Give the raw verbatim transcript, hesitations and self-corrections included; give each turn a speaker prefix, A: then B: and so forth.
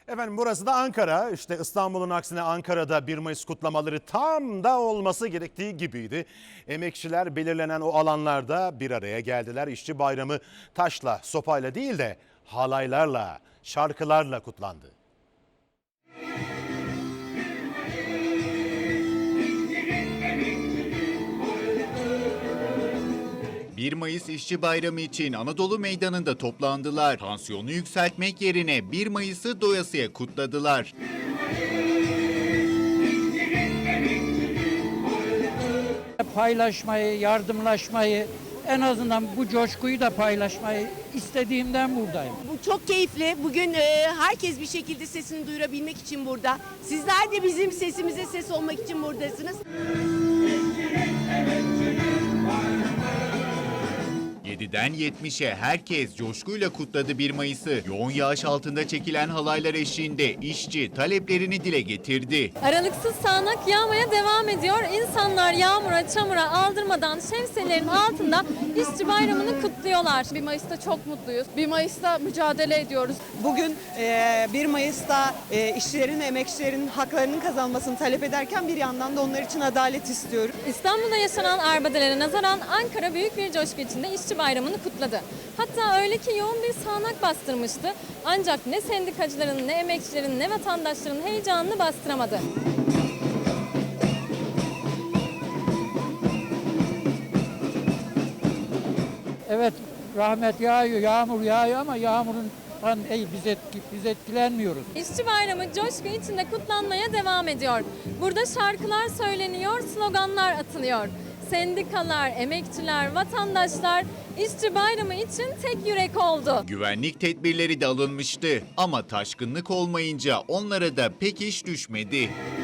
A: Efendim burası da Ankara. İşte İstanbul'un aksine Ankara'da bir Mayıs kutlamaları tam da olması gerektiği gibiydi. Emekçiler belirlenen o alanlarda bir araya geldiler. İşçi bayramı taşla, sopayla değil de halaylarla, şarkılarla kutlandı.
B: bir Mayıs İşçi Bayramı için Anadolu Meydanı'nda toplandılar. Tansiyonu yükseltmek yerine bir Mayıs'ı doyasıya kutladılar.
C: Paylaşmayı, yardımlaşmayı, en azından bu coşkuyu da paylaşmayı istediğimden buradayım.
D: Bu çok keyifli. Bugün e, herkes bir şekilde sesini duyurabilmek için burada. Sizler de bizim sesimize ses olmak için buradasınız.
B: yediden yetmişe herkes coşkuyla kutladı bir Mayıs'ı. Yoğun yağış altında çekilen halaylar eşliğinde işçi taleplerini dile getirdi.
E: Aralıksız sağanak yağmaya devam ediyor. İnsanlar yağmura, çamura aldırmadan şemsiyelerin altında işçi bayramını kutluyorlar. bir Mayıs'ta çok mutluyuz. bir Mayıs'ta mücadele ediyoruz.
F: Bugün bir Mayıs'ta işçilerin ve emekçilerin haklarının kazanmasını talep ederken bir yandan da onlar için adalet istiyorum.
E: İstanbul'da yaşanan arbedelere nazaran Ankara büyük bir coşku içinde işçi bayramını kutladı. Hatta öyle ki yoğun bir sağanak bastırmıştı. Ancak ne sendikacıların, ne emekçilerin, ne vatandaşların heyecanını bastıramadı.
C: Evet, rahmet yağıyor, yağmur yağıyor ama yağmurun ey, biz, etki, biz etkilenmiyoruz.
E: İşçi bayramı coşku içinde kutlanmaya devam ediyor. Burada şarkılar söyleniyor, sloganlar atılıyor. Sendikalar, emekçiler, vatandaşlar işçi bayramı için tek yürek oldu.
B: Güvenlik tedbirleri de alınmıştı ama taşkınlık olmayınca onlara da pek iş düşmedi.